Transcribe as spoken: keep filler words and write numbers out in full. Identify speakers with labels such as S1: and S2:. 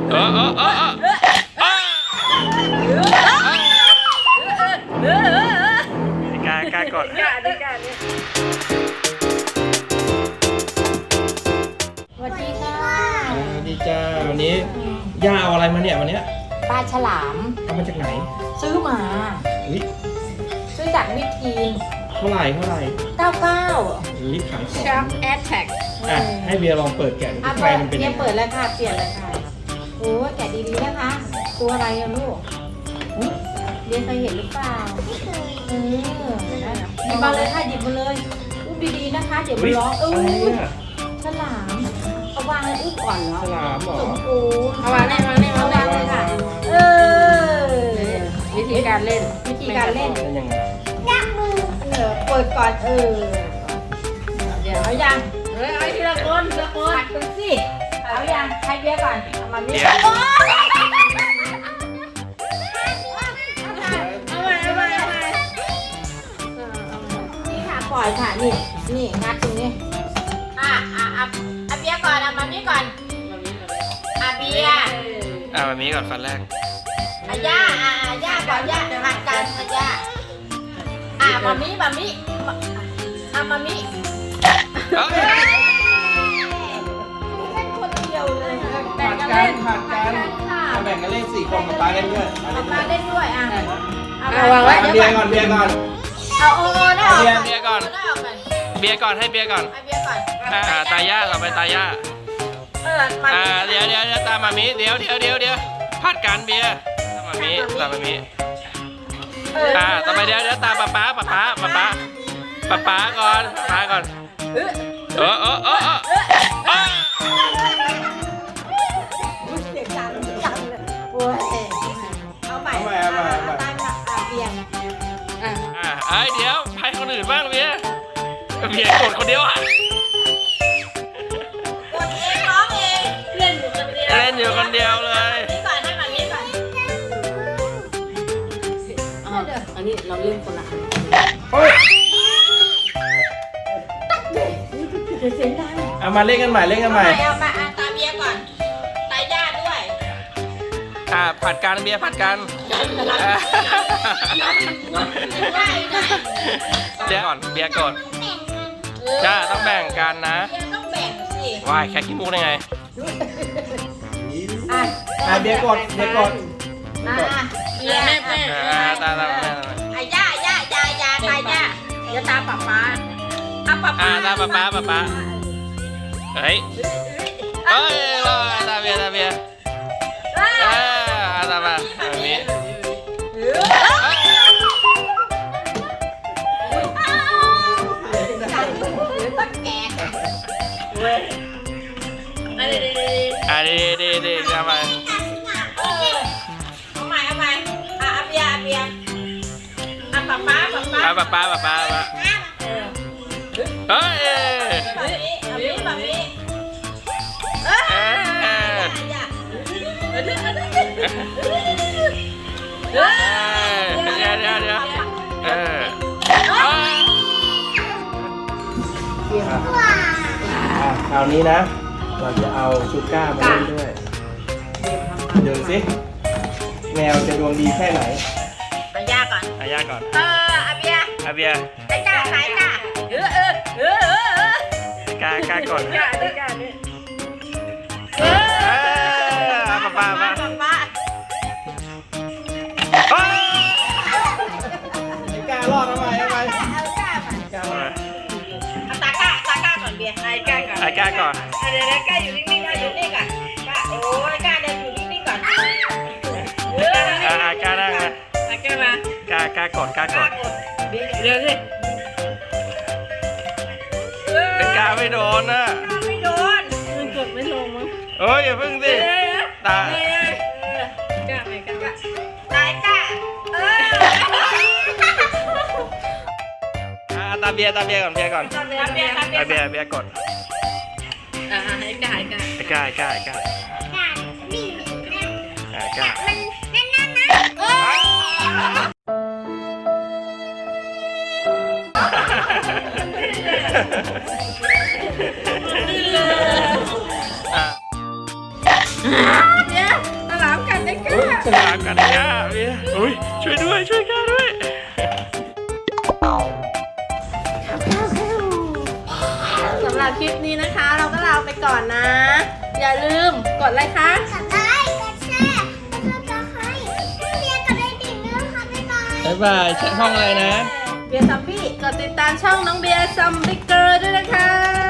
S1: เออเออเออเออกล้ากล้ากด
S2: สวัสดีค่ะ
S1: ดีจ้าวันนี้ย่าเอาอะไรมาเนี่ยวันเนี้ย
S2: ปลาฉลาม
S1: เอามาจากไหน
S2: ซื้อมา
S1: อุ้ย
S2: ซื้อจากมิตรทีน
S1: เท่าไหร่เท่าไหร่
S2: เก้าเก้า
S1: อุ้ยขังของ
S3: Shark Attack
S1: อ่ะให้เบียร์ลองเปิดแกะดู
S2: อ่ะ
S1: ข้างใน
S2: เปิด
S1: มันเป็น
S2: เตรี
S1: ยั
S2: ยม
S1: งไง
S2: เปิดแล้วค่ะ เปลี่ยนเลยค่ะโอ้แกะดีๆนะคะ ตัวอะไรอะลูกอุ๊ยเรียนเคยเห็นหรือเปล่าไม่เคยเออได้เหรอหยิบมาเลยค่ะหยิบมาเลยอุ้มดีๆนะคะ เดี๋ยวมันร้องเอ
S1: อะไร
S2: อ
S1: เนี่ย
S2: ฉลามเอาวางเลยอุ้มก่อนเหรอ
S1: ฉลามเหรอ
S2: สมบูรณ์
S3: เอาวางเลยเอาวางเลย
S2: เอาวางเลยค่ะ เออ
S3: วิธีการเล่น
S2: วิธีการเล่น
S1: เป็นยังไง
S2: เออเปิดก่อนเออ
S3: เดี๋ยว
S2: เอายัง
S3: เฮ้ยเอาทีละคนทีละคน
S2: ตักดูสิเอายังใครเบียร์ก่อนเอามาเบีย
S1: เดี๋ยว
S2: ร์โอ๊ย
S3: เอาไว้เอาไว้เอาไว้
S2: นี่ค่ะปล่อยค่ะนี่นี่งัดตรงนี้อ่ะอ่ะอ่ะอ่ะเบียร์ก่อนเอามานี่ก่อนอ่ะเบียร์
S1: อ่ะแบบนี้ก่อนฟันแรก
S2: อ่ะย่าอ่ะอ่ะย่าก่อนย่าหักกันอ่ะย่าอ่ะมามิมามิอ่ะมามิ
S1: เอ้ย
S2: เล่นคนเดียวเลย
S1: ผัดกันผัดกัน
S2: ค่ะ
S1: เอาแบ่งกันเล่นสี่คนกับปลาเล่นด้วย
S2: เอามาเล่นด้วยอ่ะ
S3: เอาวางไว้
S1: เบียร์ก่อนเบียร์ก่อน
S2: เอาโอ้ได้ออก
S1: เบียร์เบียร์ก่อน
S2: ได้ออกก่อน
S1: เบียร์ก่อนให้เบียร์ก่อน
S2: ไอเบียร์ก่อน
S1: อ่าอ่าตาย่าเราไปตาย่า
S2: เออมา
S1: อ่าเดี๋ยวเดี๋ยวเดี๋ยวตามมามิเดี๋ยวเดี๋ยวเดี๋ยวเดี๋ยวผัดกันเบียร์ตามมามิตามมามิ
S2: เออ
S1: อ่าต่อไปเดี๋ยวเดี๋ยวตามป๊าป๊าป๊าป๊าป๊าป๊าป๊าป๊าก่อนป๊าก่อน
S2: เออ
S1: เออเออเออเออเออ
S2: เสียงดังดังเลยโอ้ยเอาใหม่เอาใหม่เอาตามหลักอ่ะเบียร์
S3: อ่ะ
S1: อ่าไอ้เดี๋ยวให้คนอื่นบ้างเบียร์เบียร์กดคนเดียวอ่ะ
S2: กดเองร้องเอง
S3: เล่นอยู่คนเดียว
S1: เล่นอยู่คนเดียวเลย
S2: นี่ก่อนให้มานี่ก่อน
S3: อ๋ออันนี้เราเล่นคนละอัน
S1: โอ้ย
S2: เดี๋ยวเสียงดัง
S1: เอามาเล่นกันใหม่เล่นกันใหม่
S2: เอามาอ่ะตามเบียร์ก่อนตายญาติด้วย
S1: อ่าผัดกันเบียร์ผัดกันอ่า
S2: ได้ได้
S1: เดี๋ยวก่อนเบียร์ก่อนจ้าต้องแบ่งกันนะ
S2: เบียร์ต้องแบ่งสิ
S1: วายแค่ขี้มูกได้ไง
S2: อ่ะ
S1: อ่ะเบียร์กดเบียร์กด
S2: อ่ะเบียร์
S3: แม่แม่
S1: อ่าตาตาตา
S2: อ่ะย่าย่าย่าย่าตายย่าเดี๋ยวตามป๊าป๊าอ่ะป๊า
S1: อ่า
S2: ป๊า
S1: ตาป๊าป๊าป๊าป๊าเฮ้ยเอ้ยรอตาเบียร์ตาเบียร์เออตามาแบบนี้
S3: อันนี้
S1: อ่ะดีดีดีจะมา
S2: เอาใหม่เอาใหม่อ่ะอาเบียร์อาเบียร์อ่ะป๊าป๊าป๊าป๊า
S1: ป๊าป๊าป๊าป๊าป๊าเฮ้ย
S2: แบบนี้แบบนี้แบบนี้เออ
S1: เอ้ย
S2: อย่า
S1: เอ้ยเดี๋ยวเดี๋ยวเดี๋ยวเออคราวนี้นะ เราจะเอาชูก้ามาเล่นด้วยดูสิแมวจะดวงดีแค่ไหน
S2: อาย่าก่อน
S1: อายาก่อน
S2: เอออาเบียร์
S1: อาเบียร์
S2: ไอ้จ้าไอ้จ้าเออเออเออเออเออก
S1: ล้ากล้ากด
S3: กาด้วยกันนี่
S2: เอ
S1: เอ
S2: อ
S1: อเอาป๊าป๊ามา
S2: ป๊า
S1: เฮ้ยกล้ารอดทำไมทำไม
S2: เอาจ้าไป
S1: กล้ารอด
S2: เอาตาก้าตาก้าก่อนเบียร์
S3: ไอ้กาก่อน
S1: ไอ้กล้าก่อน
S2: เดี๋ยวกล้าอยู่นิ่งๆกล้าอยู่นิ่งก่อนกล้าโอ้ยกล้าเดินอยู่นิ่งๆก่อนเออ
S1: อ่ากล้านั่งนะ
S3: ไอ้กามา
S1: กล้ากล้ากดกล้ากด
S3: เดี๋ยวสิ
S1: แต่กล้าไม่โดนนะ
S2: ไม่โดน
S3: มันกดไม่ลงมั้ง
S1: เอ้ยอย่าพึ่งสิตา
S3: กาไม่กา
S2: ตายกล้าเออ
S1: อ่าตาเบียร์ตาเบียร์ก่อนเบียร์ก่อน
S2: ตาเบียร์เบียร์
S1: ตาเบียร์เบียร์กด
S3: อ่าให้กาให้กา
S1: ไอ้กล้าไอ้กล้าไอ้กล้าไอ้กล้า
S2: เออ
S1: อ่ะ
S2: เดี๋ยว
S1: ลากันย่าเบียร์อุ้ยช่วยด้วยช่วยกันด้วย
S3: สำหรับคลิปนี้นะคะ เราก็ลาไปก่อนนะ อย่าลืมกดไลค์ค่ะ
S4: กดไลค์กดแชร์กดซับสไครต์เรียนกับได้ดิ่งด้วยค่ะบ๊ายบาย
S1: บ๊ายบายใช้ห้องอะไรนะ
S3: เบียร์ซัมบี้กดติดตามช่องน้องเบียร์ซัมบิเกอร์ด้วยนะคะ